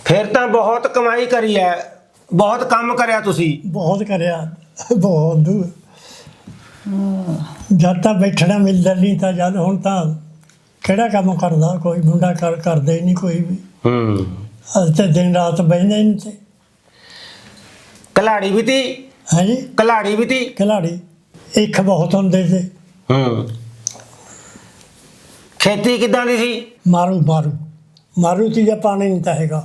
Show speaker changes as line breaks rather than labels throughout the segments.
फिर तो बहुत कमाई करी है, बहुत काम करिया तुसी।
बहुत करया, बहुत दूर जद तक बैठना मिलता नहीं था, जद हुण तां किहड़ा काम करदा कोई मुंडा करदा ही नहीं कोई भी। अस तो दिन रात बहिंदे नहीं थे।
कलाड़ी भी थी?
है जी,
कलाड़ी भी थी।
खिलाड़ी इक बहुत होंदे थे।
खेती किदां दी सी?
मारू मारू मारू थी या पानी नहीं था हैगा,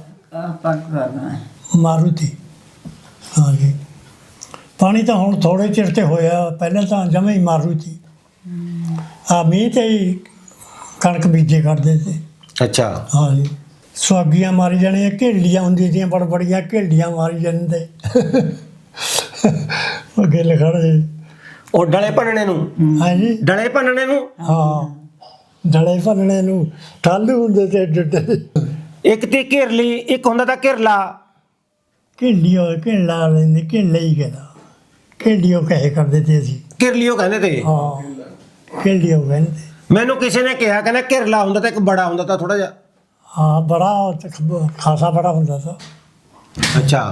मारू थी। हाँ जी, पानी तो हुण थोड़े चिर ते होया, पहले तो जमे ही मारू थी। मीह ते ही कणक बीजे करते थे।
अच्छा।
हाँ जी, सुहागियां मारी जानियां, घेलियां होंदियां थी बड़ बड़ियां घेलियां मारी जाते गिल खड़े।
ਉਹ ਡਲੇ ਭੰਨਣੇ ਨੂੰ?
हाँ जी,
ਡਲੇ ਭੰਨਣੇ ਨੂੰ?
हाँ ਡਲੇ ਭੰਨਣੇ ਨੂੰ ਠਾਲੂ ਹੁੰਦੇ ਤੇ ਏਡੇ
ਇੱਕ ਤੇ ਘਿਰਲੀ, ਇੱਕ ਹੁੰਦਾ ਤਾਂ ਘਿਰਲਾ।
ਘੇਲੀ ਹੋਏ ਘੇਲਾ ਲੈਂਦੇ, ਘੇਲਾ ਹੀ ਕਹਿੰਦਾ, ਘੇਲੀਓ ਕਹੇ ਕਰਦੇ ਤੇ ਅਸੀਂ।
ਘਿਰਲੀਓ ਕਹਿੰਦੇ ਤੇ?
ਹਾਂ ਘੇਲੀਓ ਕਹਿੰਦੇ।
ਮੈਨੂੰ ਕਿਸੇ ਨੇ ਕਿਹਾ, ਕਹਿੰਦਾ ਘਿਰਲਾ ਹੁੰਦਾ ਤਾਂ ਇੱਕ ਬੜਾ ਹੁੰਦਾ ਤਾਂ ਥੋੜਾ ਜਿਹਾ।
ਹਾਂ ਬੜਾ ਖਾਸਾ ਬੜਾ ਹੁੰਦਾ ਤਾਂ।
ਅੱਛਾ।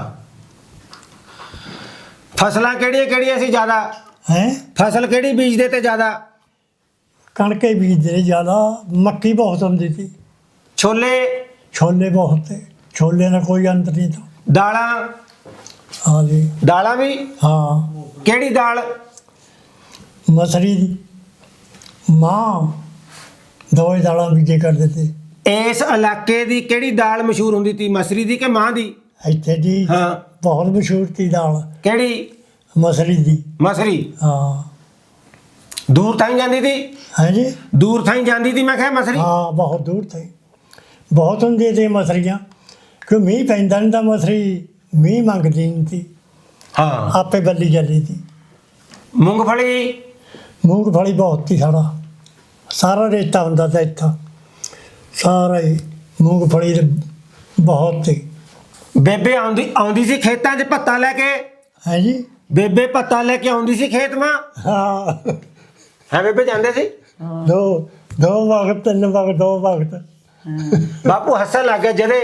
ਫਸਲਾਂ ਕਿਹੜੀਆਂ ਕਿਹੜੀਆਂ ਸੀ ਜ਼ਿਆਦਾ?
ਹੈ
ਫਸਲ ਕਿਹੜੀ ਬੀਜਦੇ ਤੇ ਜ਼ਿਆਦਾ?
ਕਣਕ ਹੀ ਬੀਜਦੇ ਜ਼ਿਆਦਾ, ਮੱਕੀ ਬਹੁਤ ਹੁੰਦੀ ਸੀ।
ਛੋਲੇ?
ਛੋਲੇ ਬਹੁਤ ਤੇ, ਛੋਲੇ ਦਾ ਕੋਈ ਅੰਤ ਨਹੀਂ ਤਾਂ।
ਦਾਲਾਂ?
ਹਾਂ ਜੀ,
ਦਾਲਾਂ ਵੀ?
ਹਾਂ
ਕਿਹੜੀ ਦਾਲ?
ਮਸਰੀ ਦੀ, ਮਾਂ, ਦੋ ਹੀ ਦਾਲਾਂ ਬੀਜੇ ਕਰਦੇ ਤੇ।
ਇਸ ਇਲਾਕੇ ਦੀ ਕਿਹੜੀ ਦਾਲ ਮਸ਼ਹੂਰ ਹੁੰਦੀ ਸੀ, ਮਸਰੀ ਦੀ ਕਿ ਮਾਂ ਦੀ?
ਇੱਥੇ ਦੀ
ਹਾਂ।
ਬਹੁਤ ਮਸ਼ਹੂਰ ਸੀ ਦਾਲ
ਕਿਹੜੀ?
ਮਸਰੀ ਦੀ।
ਮਸਰੀ?
ਹਾਂ।
ਦੂਰ ਥਾਈ ਜਾਂਦੀ ਸੀ?
ਹੈ ਜੀ,
ਦੂਰ ਥਾਈ ਜਾਂਦੀ ਸੀ ਮੈਂ ਕਿਹਾ ਮਸਰੀ?
ਹਾਂ ਬਹੁਤ ਦੂਰ ਤੇ ਬਹੁਤ ਹੁੰਦੀਆਂ ਤੇ ਮਸਰੀਆਂ, ਕਿ ਮੀਂਹ ਪੈਂਦਾ ਨਹੀਂ ਤਾਂ ਮਸਰੀ ਮੀਂਹ ਮੰਗਦੀ ਨਹੀਂ ਸੀ,
ਹਾਂ।
ਆਪੇ ਬੱਲੀ ਜਾਂਦੀ ਸੀ।
ਮੂੰਗਫਲੀ?
ਮੂੰਗਫਲੀ ਬਹੁਤ ਸੀ, ਸਾਰਾ ਰੇਤਾ ਹੁੰਦਾ ਤਾਂ ਇੱਥਾ, ਸਾਰਾ ਹੀ ਮੂੰਗਫਲੀ ਦੇ ਬਹੁਤ ਸੀ।
ਬੇਬੇ ਆਉਂਦੀ ਸੀ ਖੇਤਾਂ 'ਚ ਭੱਤਾ ਲੈ ਕੇ?
ਹੈ ਜੀ,
ਬੇਬੇ ਭੱਤਾ ਲੈ ਕੇ ਆਉਂਦੀ ਸੀ ਖੇਤ ਮਾਂ?
ਹਾਂ
ਹੈ ਬੇਬੇ ਜਾਂਦੇ ਸੀ?
ਦੋ ਵਕਤ, ਤਿੰਨ ਵਕਤ, ਦੋ ਵਕਤ।
ਬਾਪੂ ਹੱਸਣ ਲੱਗ ਗਿਆ ਜਦੇ।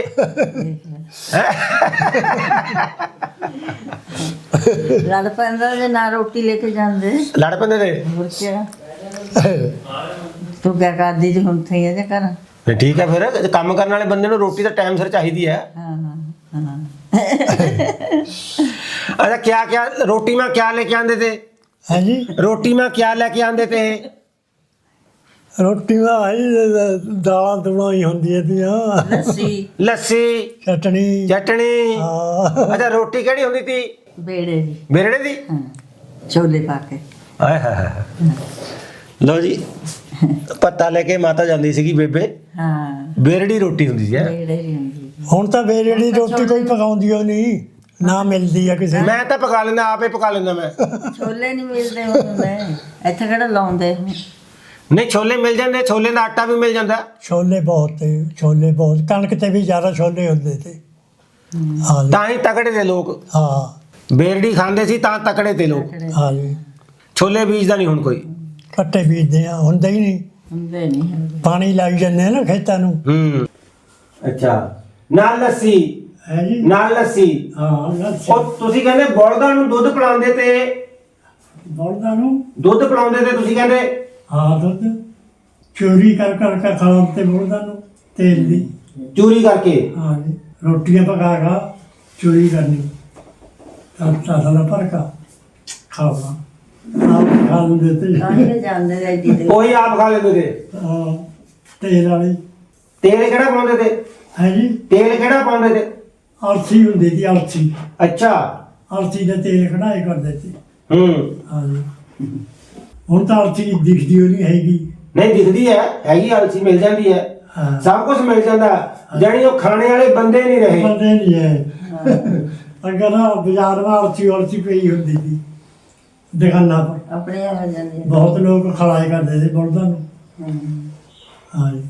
ਲੜ ਪੈਂਦਾ ਜੇ ਨਾ ਰੋਟੀ ਲੈ ਕੇ ਜਾਂਦੇ।
ਲੜ ਪੈਂਦੇ ਤੇ?
ਹੋਰ ਕਿਆ, ਤੂੰ ਕਿਆ ਕਰਦੀ ਜੀ ਹੁਣ ਥਈ ਇਹਦੇ ਘਰ।
ਨਹੀਂ ਠੀਕ ਹੈ, ਫਿਰ ਕੰਮ ਕਰਨ ਵਾਲੇ ਬੰਦੇ ਨੂੰ ਰੋਟੀ ਤਾਂ ਟਾਈਮ ਸਿਰ ਚਾਹੀਦੀ ਹੈ।
ਹਾਂ ਹਾਂ
अच्छा क्या क्या रोटी में क्या लेके आंदे थे?
ਹੈ ਜੀ,
रोटी में क्या लेके आंदे थे?
ਰੋਟੀ ਦਾ ਦਾਲਾਂ ਦੂਲਾਂ ਹੀ ਹੁੰਦੀਆਂ ਤੀਆਂ,
ਲੱਸੀ
लस्सी,
ਚਟਣੀ।
चटनी।
ਹਾਂ
अच्छा रोटी केड़ी होंदी थी?
ਬੇੜੇ ਦੀ।
बेरड़े दी?
ਹਾਂ, ਛੋਲੇ ਪਾ ਕੇ।
हाय हाय हाय। लो जी, पत्ता लेके माता जांदी सीगी बेबे,
ਹਾਂ
बेरड़ी रोटी हुंदी सी।
ਬੇੜੇ ਦੀ ਹੁੰਦੀ।
ਹੁਣ ਤਾਂ ਬੇਰੜੀ ਰੋਟੀ ਕੋਈ ਪਕਾਉਂਦੀ ਓ ਨਹੀਂ, ਨਾ ਮਿਲਦੀ ਆ ਕਿਸੇ ਨੂੰ।
मैं तो पका लेंदा, आपे पका लेंदा मैं।
ਛੋਲੇ ਨਹੀਂ ਮਿਲਦੇ ਹੁੰਦੇ ਇੱਥੇ, ਕਿਹੜਾ ਲਾਉਂਦੇ।
नहीं छोले मिल जाते, छोले का आटा भी मिल जाता।
ਛੋਲੇ ਬਹੁਤ ਤੇ, ਛੋਲੇ ਬਹੁਤ, ਕਣਕ ਤੇ ਵੀ ਜ਼ਿਆਦਾ ਛੋਲੇ ਹੁੰਦੇ ਤੇ। ਹਾਂ ਜੀ,
ਤਾਂ ही तगड़े थे लोग,
ਹਾਂ
बेरड़ी खांदे सी तां तगड़े थे लोग।
ਹਾਂ ਜੀ,
छोले बीजदा नहीं हुण कोई।
ਕੱਟੇ ਬੀਜਦੇ ਆ, ਹੁੰਦਾ ਹੀ ਨਹੀਂ,
ਹੁੰਦੇ ਨਹੀਂ ਹੁੰਦੇ।
ਪਾਣੀ ਲਾਈ ਜਾਂਦੇ ਆ ਨਾ ਖੇਤਾਂ ਨੂੰ।
अच्छा नाल लस्सी?
ਹੈ ਜੀ,
नाल लस्सी।
ਹਾਂ
ਉਹ ਤੁਸੀਂ ਕਹਿੰਦੇ ਬਲਦਾਂ ਨੂੰ ਦੁੱਧ ਪਿਲਾਉਂਦੇ ਤੇ?
ਬਲਦਾਂ ਨੂੰ
ਦੁੱਧ ਪਿਲਾਉਂਦੇ ਤੇ ਤੁਸੀਂ ਕਹਿੰਦੇ?
ਹਾਂ, ਦੁੱਧ ਚੋਰੀ ਕਰ ਕਰ ਕੇ ਖਾਣ ਤੇ ਬਲਦਾਂ ਨੂੰ, ਤੇਲ ਦੀ।
ਚੋਰੀ ਕਰਕੇ?
ਹਾਂ ਜੀ, ਰੋਟੀਆਂ ਪਕਾ ਕੇ ਚੋਰੀ ਕਰਨੀ, ਤਾਂ ਸਾਲਾ ਭਰ ਕੇ ਖਾਣਾ, ਆਪ ਖਾ ਲੈਂਦੇ ਤੇ।
ਤਾਂ ਹੀ ਜਾਂਦੇ ਨੇ ਐਡੀ ਦੇ।
ਉਹੀ ਆਪ ਖਾ ਲੈਂਦੇ ਤੇ?
ਹਾਂ, ਤੇਲ ਵਾਲੀ।
ਤੇਲ ਕਿਹੜਾ ਪਾਉਂਦੇ ਤੇ?
ਹੈ ਜੀ,
ਤੇਲ ਕਿਹੜਾ ਪਾਉਂਦੇ ਤੇ?
ਅਲਸੀ ਹੁੰਦੀ ਸੀ, ਅਲਸੀ।
ਅੱਛਾ।
ਅਲਸੀ ਦੇ ਤੇਲ ਕਢਾਏ ਕਰਦੇ ਸੀ।
ਹੂੰ।
ਹਾਂ ਜੀ, ਹੁਣ ਤਾਂ ਅਲਸੀ ਦਿਖਦੀ ਓ ਨਹੀਂ ਹੈਗੀ।
ਨਹੀਂ ਦਿਖਦੀ ਹੈ, ਹੈਗੀ ਅਲਸੀ ਮਿਲ ਜਾਂਦੀ ਹੈ,
ਹਾਂ,
ਸਭ ਕੁਝ ਮਿਲ ਜਾਂਦਾ, ਜਾਣੀ ਉਹ ਖਾਣੇ ਵਾਲੇ ਬੰਦੇ ਨਹੀਂ ਰਹੇ।
ਬੰਦੇ ਨਹੀਂ ਹੈ। ਅਗਰ ਬਾਜ਼ਾਰ ਵਿੱਚ ਅਲਸੀ ਅਲਸੀ ਪਈ ਹੁੰਦੀ ਸੀ ਦੁਕਾਨਾਂ ਪਰ,
ਆਪਣੇ ਆ ਜਾਂਦੇ।
ਬਹੁਤ ਲੋਕ ਖਲਾਏ ਕਰਦੇ ਸੀ ਬਲਦਾਂ ਨੂੰ। ਹਾਂ ਜੀ,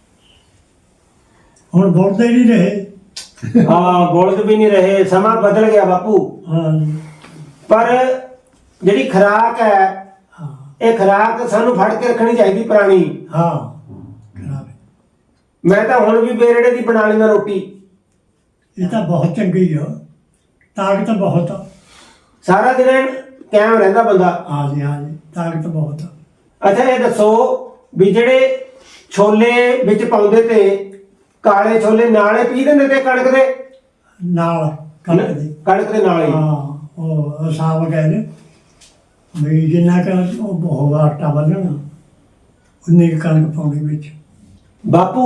ਹੁਣ ਬਲਦ ਹੀ ਨਹੀਂ ਰਹੇ।
ਹਾਂ, ਬੁਲਦ ਵੀ ਨਹੀਂ ਰਹੇ, ਸਮਾਂ ਬਦਲ ਗਿਆ ਬਾਪੂ।
ਹਾਂ ਜੀ,
ਪਰ ਜਿਹੜੀ ਖੁਰਾਕ ਹੈ,
ਹਾਂ
ਇਹ ਖੁਰਾਕ ਸਾਨੂੰ ਫੜ ਕੇ ਰੱਖਣੀ ਚਾਹੀਦੀ ਪੁਰਾਣੀ।
ਹਾਂ, ਖਰਾਬ ਹੈ।
ਮੈਂ ਤਾਂ ਹੁਣ ਵੀ ਬੇਰੜੇ ਦੀ ਬਣਾ ਲੈਂਦਾ ਰੋਟੀ।
ਇਹ ਤਾਂ ਬਹੁਤ ਚੰਗੀ ਆ, ਤਾਕਤ ਬਹੁਤ ਆ।
ਸਾਰਾ ਦਿਨ ਕਾਇਮ ਰਹਿੰਦਾ ਬੰਦਾ।
ਹਾਂਜੀ ਹਾਂਜੀ, ਤਾਕਤ ਬਹੁਤ ਆ।
ਅੱਛਾ ਇਹ ਦੱਸੋ ਵੀ ਜਿਹੜੇ ਛੋਲੇ ਵਿੱਚ ਪਾਉਂਦੇ ਤੇ ਕਾਲੇ ਛੋਲੇ ਨਾਲੇ ਪੀ ਦਿੰਦੇ ਤੇ ਕਣਕ ਦੇ
ਨਾਲ ਕਣਕ ਦੀ।
ਕਣਕ ਦੇ ਨਾਲ ਹੀ।
ਹਾਂ, ਉਹ ਹਿਸਾਬ ਕਹਿੰਦੇ ਵੀ ਜਿੰਨਾ ਕੁ ਉਹ ਬਹੁਤ ਆਟਾ ਬੰਨਣਾ ਉਨੀ ਕੁ ਕਣਕ ਪਾਉਣੀ ਵਿੱਚ।
ਬਾਪੂ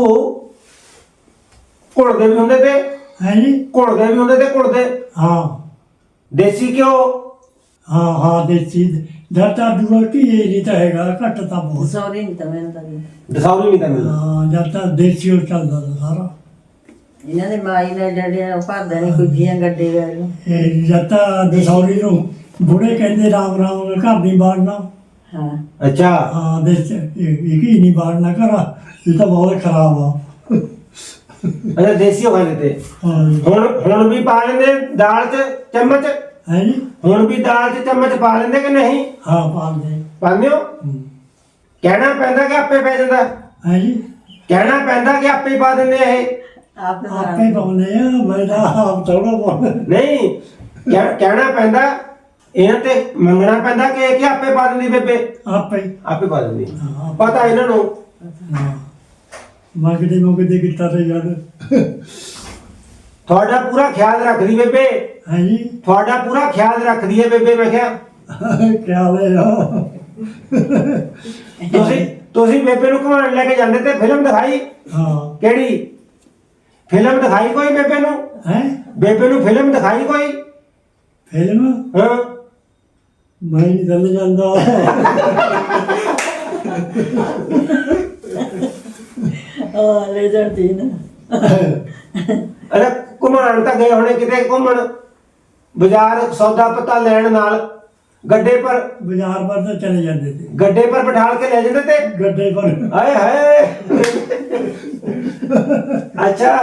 ਘੁਲਦੇ ਵੀ ਹੁੰਦੇ ਤੇ
ਹੈ ਜੀ।
ਘੁਲਦੇ ਵੀ ਹੁੰਦੇ ਤੇ ਘੁਲਦੇ
ਹਾਂ
ਦੇਸੀ ਘਿਓ।
ਹਾਂ ਹਾਂ, ਦੇਸੀ ਜੱਟਾ ਦੂਆ ਕੀ ਇਹ ਨਹੀਂ ਤਾਂ ਹੈਗਾ, ਘੱਟ ਤਾਂ ਬਹੁਤ।
ਸੌਰੀ ਨਹੀਂ ਤਾਂ ਮੈਨੂੰ ਤਾਂ ਵੀ।
ਦਸੌਰੀ ਨਹੀਂ ਤਾਂ ਮਿਲਦਾ।
ਹਾਂ, ਜੱਟਾ ਦੇਸੀ ਉਹ ਚੱਲਦਾ ਤਾ ਸਾਰਾ।
ਇਹਨਾਂ ਦੇ ਮਾਈ ਨੇ ਜਿਹੜੇ ਭਰਦੇ ਨੇ ਕੁੱਜੀਆਂ ਗੱਡੇ ਵਾਲੇ।
ਇਹ ਜੱਟਾ ਦਸੌਰੀ ਨੂੰ ਬੁੜੇ ਕਹਿੰਦੇ ਰਾਮ ਰਾਮ ਘਰ ਨਹੀਂ ਬਾੜਨਾ।
ਹਾਂ
ਅੱਛਾ
ਹਾਂ, ਦੇਸ ਇਹ ਕੀ ਨਹੀਂ ਬਾੜਨਾ ਘਰ, ਇਹ ਤਾਂ ਬਹੁਤ ਖਰਾਬ ਆ।
ਅੱਛਾ ਦੇਸੀ ਹੋ ਗਏ ਤੇ
ਹਾਂ ਜੀ।
ਹੁਣ ਵੀ ਪਾ ਲੈਂਦੇ ਦਾਲ 'ਚ ਚਮਚ।
ਹੈ ਜੀ।
ਹੁਣ ਵੀ ਦਾਲ 'ਚ ਚਮਚ ਪਾ ਲੈਂਦੇ ਕਿ ਨਹੀਂ?
ਹਾਂ, ਪਾਉਂਦੇ।
ਪਾਉਂਦੇ ਹੋ? ਕਹਿਣਾ ਪੈਂਦਾ ਕਿ ਆਪੇ ਪੈ ਜਾਂਦਾ?
ਹੈ ਜੀ।
ਕਹਿਣਾ ਪੈਂਦਾ ਕਿ ਆਪੇ ਹੀ ਪਾ ਦਿੰਦੇ ਆ ਇਹ?
ਆਪੇ ਪਾਉਂਦੇ ਆ, ਮੈਂ ਤਾਂ ਆਪ ਥੋੜਾ ਪਾਉਂਦਾ।
ਨਹੀਂ ਕਹਿਣਾ ਪੈਂਦਾ ਇਹਨਾਂ ਤੇ ਮੰਗਣਾ ਪੈਂਦਾ ਕਿ ਆਪੇ ਪਾ ਦਿੰਦੀ ਬੇਬੇ?
ਆਪੇ ਹੀ।
ਆਪੇ ਪਾ ਦਿੰਦੀ।
ਹਾਂ,
ਪਤਾ ਇਹਨਾਂ ਨੂੰ।
ਹਾਂ, ਮੰਗਦੇ ਕੀਤਾ ਤੇ ਯਾਰ।
ਤੁਹਾਡਾ ਪੂਰਾ ਖਿਆਲ ਰੱਖਦੀ ਬੇਬੇ।
ਹੈ ਜੀ।
ਤੁਹਾਡਾ ਪੂਰਾ ਖਿਆਲ ਰੱਖਦੀ ਹੈ ਬੇਬੇ। ਮੈਂ ਕਿਹਾ
ਕਿਆ ਲੈ ਆ।
ਤੁਸੀਂ ਬੇਬੇ ਨੂੰ ਘੁਮਾਉਣ ਲੈ ਕੇ ਜਾਂਦੇ ਤੇ ਫਿਲਮ ਦਿਖਾਈ?
ਹਾਂ।
ਕਿਹੜੀ ਫਿਲਮ ਦਿਖਾਈ ਕੋਈ ਬੇਬੇ ਨੂੰ?
ਹੈ
ਬੇਬੇ ਨੂੰ ਫਿਲਮ ਦਿਖਾਈ ਕੋਈ?
ਫਿਲਮ
ਹਾਂ
ਮੈਂ ਨਹੀਂ ਚੱਲ ਜਾਂਦਾ।
ਲੈ ਜਾਂਦੀ ਨਾ।
ਅਰੇ ਘੁਮਾਉਣ ਤਾਂ ਗਏ ਹੋਣੇ ਕਿਤੇ ਘੁੰਮਣ, ਬਾਜ਼ਾਰ ਸੌਦਾ ਪੱਤਾ ਲੈਣ ਨਾਲ ਗੱਡੇ ਪਰ
ਬਾਜ਼ਾਰ ਪਰ ਤਾਂ ਚਲੇ ਜਾਂਦੇ ਤੇ,
ਗੱਡੇ ਪਰ ਬਿਠਾਲ ਕੇ ਲੈ ਜਾਂਦੇ ਤੇ।
ਗੱਡੇ ਪਰ।
ਹਾਏ ਹਾਏ। ਅੱਛਾ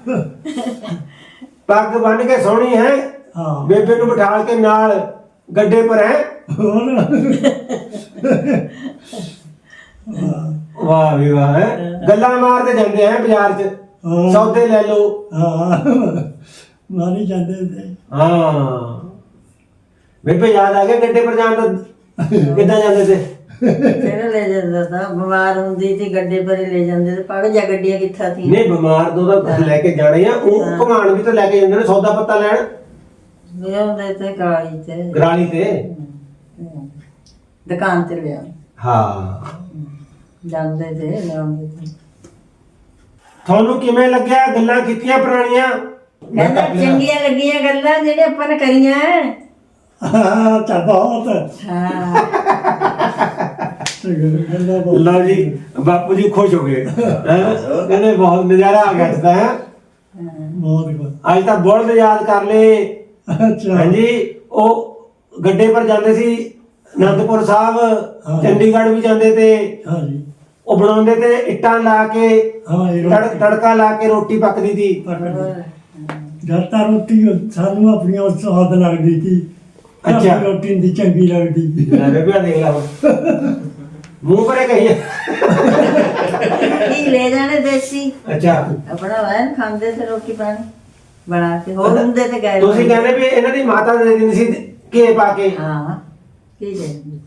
ਪੱਗ ਬੰਨ ਕੇ ਸੋਹਣੀ ਹੈ
ਹਾਂ।
ਬੇਬੇ ਨੂੰ ਬਿਠਾਲ ਕੇ ਨਾਲ ਗੱਡੇ ਪਰ ਹੈ।
ਹੋਰ
ਵਾਹ ਵੀ ਵਾਹ ਹੈ। ਗੱਲਾਂ ਮਾਰਦੇ ਜਾਂਦੇ ਹੈ ਬਾਜ਼ਾਰ 'ਚ,
ਹਾਂ।
ਸੌਦੇ ਲੈ ਲਓ।
ਹਾਂ, ਮਾਰੀ ਜਾਂਦੇ ਤੇ।
ਹਾਂ ਬੇਬੇ ਯਾਦ ਆ ਗਿਆ ਗੱਡੇ ਪਰ ਜਾਣ ਦਾ? ਕਿੱਦਾਂ ਜਾਂਦੇ ਤੇ?
ਕਿਹੜਾ ਲੈ ਜਾਂਦਾ ਤਾਂ ਬਿਮਾਰ ਹੁੰਦੀ ਤੇ ਗੱਡੇ ਪਰੇ ਲੈ ਜਾਂਦੇ ਤੇ ਪੜ ਜਾ ਗੱਡੀਆਂ ਕਿੱਥਾ ਸੀ।
ਨਹੀਂ ਬਿਮਾਰ ਤੋਂ ਤਾਂ ਲੈ ਕੇ ਜਾਣੇ ਆ, ਉਹ ਘੁਮਾਣ ਵੀ ਤਾਂ ਲੈ ਕੇ ਜਾਂਦੇ ਨੇ ਸੌਦਾ ਪੱਤਾ ਲੈਣ।
ਲਿਆਉਂਦੇ ਤੇ ਕਾਲੀ ਤੇ
ਗਰਾਲੀ ਤੇ।
ਦੁਕਾਨ ਤੇ ਲਿਆ
ਹਾਂ
ਜਾਂਦੇ ਤੇ ਲਿਆਉਂਦੇ ਤੇ।
ਤੁਹਾਨੂੰ ਕਿਵੇਂ ਲੱਗਿਆ ਗੱਲਾਂ ਕੀਤੀਆਂ ਪੁਰਾਣੀਆਂ?
ਕਹਿੰਦਾ ਚੰਗੀਆਂ ਲੱਗੀਆਂ ਗੱਲਾਂ ਜਿਹੜੀਆਂ ਆਪਾਂ ਨੇ ਕਰੀਆਂ।
ਹਾਂ, ਤਾਂ ਬਹੁਤ।
ਹਾਂ
ਗੱਲਾਂ ਬਹੁਤ।
ਲਓ ਜੀ ਬਾਪੂ ਜੀ ਖੁਸ਼ ਹੋ ਗਏ। ਹੈਂ? ਉਹ ਕਹਿੰਦੇ ਬਹੁਤ ਨਜ਼ਾਰਾ ਆ ਗਿਆ ਅੱਜ ਤਾਂ। ਹੈਂ?
ਬਹੁਤ ਕੁ।
ਅੱਜ ਤਾਂ ਬੁਲਦ ਯਾਦ ਕਰ ਲਏ।
ਅੱਛਾ।
ਹਾਂਜੀ ਉਹ ਗੱਡੇ ਪਰ ਜਾਂਦੇ ਸੀ ਅਨੰਦਪੁਰ ਸਾਹਿਬ,
ਹਾਂ।
ਚੰਡੀਗੜ੍ਹ ਵੀ ਜਾਂਦੇ ਤੇ।
ਹਾਂ ਜੀ।
ਉਹ ਬਣਾਉਂਦੇ ਤੇ ਇੱਟਾਂ ਲਾ ਕੇ,
ਹਾਂ, ਇਹ ਰੋਟੀ
ਤੜਕਾ ਲਾ ਕੇ ਰੋਟੀ ਪੱਕਦੀ ਸੀ।
ਜਦ ਤਾਂ ਰੋਟੀ ਸਾਨੂੰ ਆਪਣੀ ਉਹ ਸਵਾਦ ਲੱਗਦੀ ਸੀ।
ਅੱਛਾ।
ਆਪਣੀ ਰੋਟੀ ਦੀ ਚੰਗੀ ਲੱਗਦੀ।
ਲੈ ਬੇਬੇ ਦੇਖ ਲਾ ਮੂੰਹ ਪਰੇ ਕਹੀ।
ਕੀ ਲੈ ਜਾਣੇ ਦੇਸੀ
ਅੱਛਾ
ਆਪਣਾ ਵੈਨ ਖਾਂਦੇ ਤੇ ਰੋਟੀ ਪਾਣੀ ਬਣਾ ਕੇ। ਹੋਰ ਹੁੰਦੇ ਤੇ ਗਏ
ਤੁਸੀਂ ਕਹਿੰਦੇ ਵੀ ਇਹਨਾਂ ਦੀ ਮਾਤਾ ਦੇ ਦਿੰਦੀ ਸੀ ਘੇ ਪਾ ਕੇ।
ਹਾਂ ਕੀ ਦੇ